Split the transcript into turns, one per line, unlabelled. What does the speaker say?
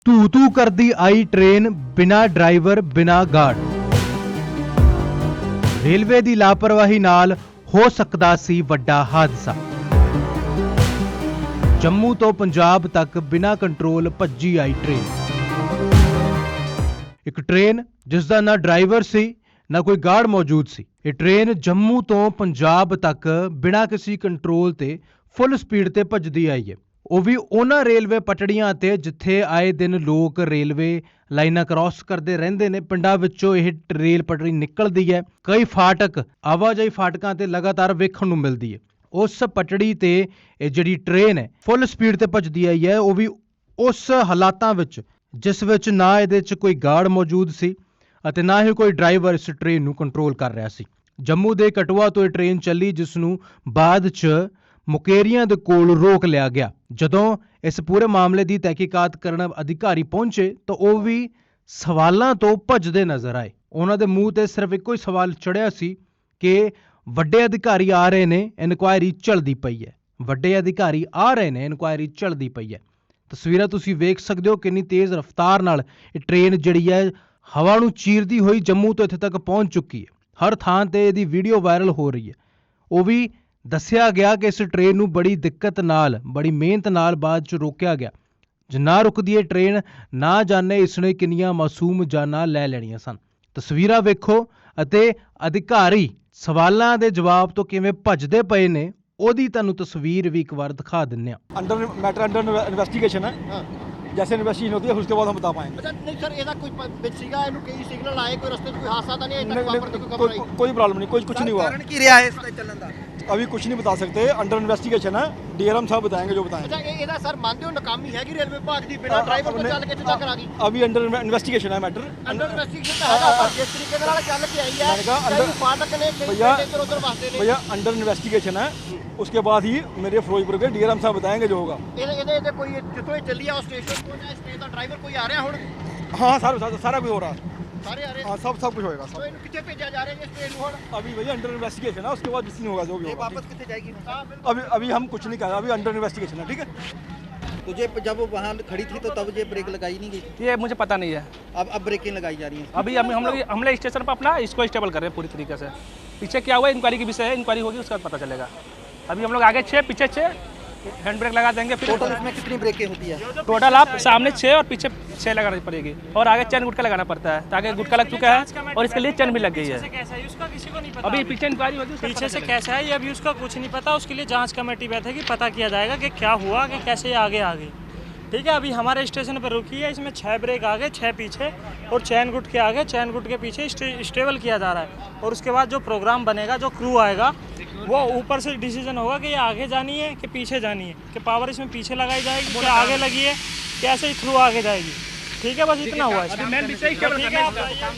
ਧੂ ਧੂ ਕਰਦੀ ਆਈ ਟ੍ਰੇਨ ਬਿਨਾਂ ਡਰਾਈਵਰ ਬਿਨਾਂ ਗਾਰਡ। ਰੇਲਵੇ ਦੀ ਲਾਪਰਵਾਹੀ ਨਾਲ ਹੋ ਸਕਦਾ ਸੀ ਵੱਡਾ ਹਾਦਸਾ। ਜੰਮੂ ਤੋਂ ਪੰਜਾਬ ਤੱਕ ਬਿਨਾਂ ਕੰਟਰੋਲ ਭੱਜੀ ਆਈ ਟ੍ਰੇਨ। ਇੱਕ ਟ੍ਰੇਨ ਜਿਸ ਦਾ ਨਾ ਡਰਾਈਵਰ ਸੀ ਨਾ ਕੋਈ ਗਾਰਡ ਮੌਜੂਦ ਸੀ। ਇਹ ਟ੍ਰੇਨ ਜੰਮੂ ਤੋਂ ਪੰਜਾਬ ਤੱਕ ਬਿਨਾਂ ਕਿਸੇ ਕੰਟਰੋਲ ਤੇ ਫੁੱਲ ਸਪੀਡ ਤੇ ਭੱਜਦੀ ਆਈ ਹੈ। ਉਹ ਵੀ ਉਹਨਾਂ ਰੇਲਵੇ ਪਟੜੀਆਂ ਤੇ ਜਿੱਥੇ ਆਏ ਦਿਨ ਲੋਕ ਰੇਲਵੇ ਲਾਈਨਾਂ ਕ੍ਰਾਸ ਕਰਦੇ ਰਹਿੰਦੇ ਨੇ। ਪਿੰਡਾਂ ਵਿੱਚੋਂ ਇਹ ਰੇਲ ਪਟੜੀ ਨਿਕਲਦੀ ਹੈ। ਕਈ ਫਾਟਕ ਆਵਾਜਾਈ ਫਾਟਕਾਂ ਤੇ ਲਗਾਤਾਰ ਵੇਖਣ ਨੂੰ ਮਿਲਦੀ ਹੈ। ਉਸ ਪਟੜੀ ਤੇ ਇਹ ਜਿਹੜੀ ਟ੍ਰੇਨ ਹੈ ਫੁੱਲ ਸਪੀਡ ਤੇ ਭੱਜਦੀ ਆਈ ਹੈ, ਉਹ ਵੀ ਉਸ ਹਾਲਾਤਾਂ ਵਿੱਚ ਜਿਸ ਵਿੱਚ ਨਾ ਇਹਦੇ 'ਚ ਕੋਈ ਗਾਰਡ ਮੌਜੂਦ ਸੀ ਅਤੇ ਨਾ ਹੀ ਕੋਈ ਡਰਾਈਵਰ ਇਸ ਟ੍ਰੇਨ ਨੂੰ ਕੰਟਰੋਲ ਕਰ ਰਿਹਾ ਸੀ। ਜੰਮੂ ਦੇ ਕਟਵਾ ਤੋਂ ਇਹ ਟ੍ਰੇਨ ਚੱਲੀ, ਜਿਸ ਨੂੰ ਬਾਅਦ 'ਚ ਮੁਕੇਰੀਆਂ ਦੇ ਕੋਲ ਰੋਕ ਲਿਆ ਗਿਆ। ਜਦੋਂ ਇਸ ਪੂਰੇ ਮਾਮਲੇ ਦੀ ਤਹਿਕੀਕਾਤ ਕਰਨ ਅਧਿਕਾਰੀ ਪਹੁੰਚੇ ਤਾਂ ਉਹ ਵੀ ਸਵਾਲਾਂ ਤੋਂ ਭੱਜਦੇ ਨਜ਼ਰ ਆਏ। ਉਹਨਾਂ ਦੇ ਮੂੰਹ ਤੇ ਸਿਰਫ ਇੱਕੋ ਹੀ ਸਵਾਲ ਚੜਿਆ ਸੀ ਕਿ ਵੱਡੇ ਅਧਿਕਾਰੀ ਆ ਰਹੇ ਨੇ, ਇਨਕੁਆਇਰੀ ਚੱਲਦੀ ਪਈ ਹੈ। ਵੱਡੇ ਅਧਿਕਾਰੀ ਆ ਰਹੇ ਨੇ, ਇਨਕੁਆਇਰੀ ਚੱਲਦੀ ਪਈ ਹੈ। ਤਸਵੀਰਾਂ ਤੁਸੀਂ ਵੇਖ ਸਕਦੇ ਹੋ ਕਿੰਨੀ ਤੇਜ਼ ਰਫ਼ਤਾਰ ਨਾਲ ਇਹ ਟ੍ਰੇਨ ਜਿਹੜੀ ਹੈ ਹਵਾ ਨੂੰ ਚੀਰਦੀ ਹੋਈ ਜੰਮੂ ਤੋਂ ਇੱਥੇ ਤੱਕ ਪਹੁੰਚ ਚੁੱਕੀ ਹੈ। ਹਰ ਥਾਂ ਤੇ ਇਹਦੀ ਵੀਡੀਓ ਵਾਇਰਲ ਹੋ ਰਹੀ ਹੈ। ਉਹ ਵੀ ਦੱਸਿਆ ਗਿਆ ਕਿ ਇਸ ਟ੍ਰੇਨ ਨੂੰ ਬੜੀ ਦਿੱਕਤ ਨਾਲ, ਬੜੀ ਮਿਹਨਤ ਨਾਲ ਬਾਅਦ 'ਚ ਰੋਕਿਆ ਗਿਆ। ਜੇ ਨਾ ਰੁਕਦੀ ਇਹ ਟ੍ਰੇਨ, ਨਾ ਜਾਣੇ ਇਸਨੇ ਕਿੰਨੀਆਂ ਮਾਸੂਮ ਜਾਨਾਂ ਲੈ ਲੈਣੀਆਂ ਸਨ। ਤਸਵੀਰਾਂ ਵੇਖੋ ਅਤੇ ਅਧਿਕਾਰੀ ਸਵਾਲਾਂ ਦੇ ਜਵਾਬ ਤੋਂ ਕਿਵੇਂ ਭੱਜਦੇ ਪਏ ਨੇ, ਉਹਦੀ ਤੁਹਾਨੂੰ ਤਸਵੀਰ ਵੀ ਇੱਕ ਵਾਰ ਦਿਖਾ ਦਿੰਨੇ ਆ।
मैटर अंडर इन्वेस्टिगेशन है।
हाँ।
जैसे इन्वेस्टिगेशन होती है उसके बाद हम बता पाएंगे।
अच्छा नहीं सर, ਇਹਦਾ ਕੋਈ ਵਿੱਚ ਸੀਗਾ, ਇਹਨੂੰ ਕਈ ਸਿਗਨਲ ਆਏ, ਕੋਈ ਰਸਤੇ 'ਚ ਕੋਈ ਹਾਦਸਾ ਤਾਂ ਨਹੀਂ ਅਜੇ ਤੱਕ ਵਾਪਰਦਾ, ਕੋਈ ਖਬਰ ਆਈ?
कोई प्रॉब्लम नहीं, कुछ नहीं हुआ।
कारण की रिहा है इसका चलन दा?
अभी कुछ नहीं बता सकते, अंडर इन्वेस्टिगेशन है। डीआरएम साहब बताएंगे जो बताएंगे।
ਅੱਛਾ ਇਹਦਾ ਸਰ ਮੰਨਦੇ ਹੋ ਨਾਕਾਮੀ ਹੈਗੀ ਰੇਲਵੇ ਵਿਭਾਗ ਦੀ, ਬਿਨਾਂ ਡਰਾਈਵਰ ਤੋਂ ਚੱਲ ਕੇ ਇੱਥੇ ਤੱਕ ਆ ਗਈ?
अभी अंडर इन्वेस्टिगेशन है मैटर।
ਅੰਡਰ ਇਨਵੈਸਟੀਗੇਸ਼ਨ ਤਾਂ ਹੈਗਾ, ਪਰ ਜਿਸ ਤਰੀਕੇ ਨਾਲ ਚੱਲ ਕੇ ਆਈ ਹੈ,
मैंने कहा
ਕਈ
अंडर
ਫਾਟਕ ਨੇ, ਕਈ
भैया
ਇੱਧਰ ਉੱਧਰ ਵਸਦੇ ਨੇ।
भैया अंडर इन्वेस्टिगेशन है, उसके बाद ही मेरे फिरोजपुर के डीआरएम साहब बताएंगे जो होगा।
ਇਹਦੇ ਕੋਈ ਜਿੱਥੋਂ ਇਹ ਚੱਲੀ ਆ ਉਸ ਸਟੇਸ਼ਨ ਤੋਂ ਜਾਂ ਸਟੇਸ਼ਨ ਦਾ ਡਰਾਈਵਰ ਕੋਈ ਆ ਰਿਹਾ ਹੁਣ?
हाँ सारा कुछ हो रहा है।
ਸਾਰੇ ਆ ਰਹੇ?
हाँ सब कुछ होएगा
तो
सब।
ਇਹਨੂੰ ਕਿੱਥੇ ਭੇਜਿਆ ਜਾ ਰਿਹਾ ਜੀ ਇਸ ਟ੍ਰੇਨ ਨੂੰ ਹੁਣ?
अभी भैया अंडर इन्वेस्टिगेशन है, उसके बाद जिस नहीं होगा जो भी
ये
होगा।
वापस कितने जाएगी?
ਹਾਂ ਬਿਲकुल।
अभी हम कुछ नहीं कहा, अभी अंडर इन्वेस्टिगेशन है, ठीक है।
तो ये जब वो वहाँ खड़ी थी तो तब ये ब्रेक लगाई नहीं गई?
ये मुझे पता नहीं है।
अब ब्रेकें लगाई जा रही हैं?
अभी हम लोग स्टेशन पर अपना इसको स्टेबल कर रहे हैं पूरी तरीके से। पीछे क्या हुआ इंक्वायरी के विषय है, इंक्वायरी होगी उसके बाद पता चलेगा। अभी हम लोग आगे 6 पीछे 6 हैंड ब्रेक लगा देंगे। फिर
टोटल इसमें कितनी ब्रेकें होती है?
टोटल आप सामने 6 और पीछे 6 लगानी पड़ेगी और आगे चैन गुटका लगाना पड़ता है, ताकि गुटका लग चुका है और इसके लिए चैन भी लग गई है।
कैसा है उसका किसी को नहीं पता।
अभी पीछे इंक्वायरी होगी, उसका
पीछे
पता
से
चलेगा।
कैसा है ये अभी उसका कुछ नहीं पता। उसके लिए जांच कमेटी बैठेगी, पता किया जाएगा कि क्या हुआ, कि कैसे ये आगे आ गई। ठीक है, अभी हमारे स्टेशन पर रुकी है, इसमें 6 ब्रेक आगे 6 पीछे और चैन गुट के आगे चैन गुट के पीछे स्टेबल किया जा रहा है। और उसके बाद जो प्रोग्राम बनेगा, जो क्रू आएगा, वो ऊपर से डिसीजन होगा कि ये आगे जानी है कि पीछे जानी है, कि पावर इसमें पीछे लगाई जाएगी कि आगे लगी है, कैसे थ्रू आगे जाएगी। ठीक है, बस इतना हुआ है।
अभी मेन विषय स्टेबल
ठीक
करना
है
है।
आप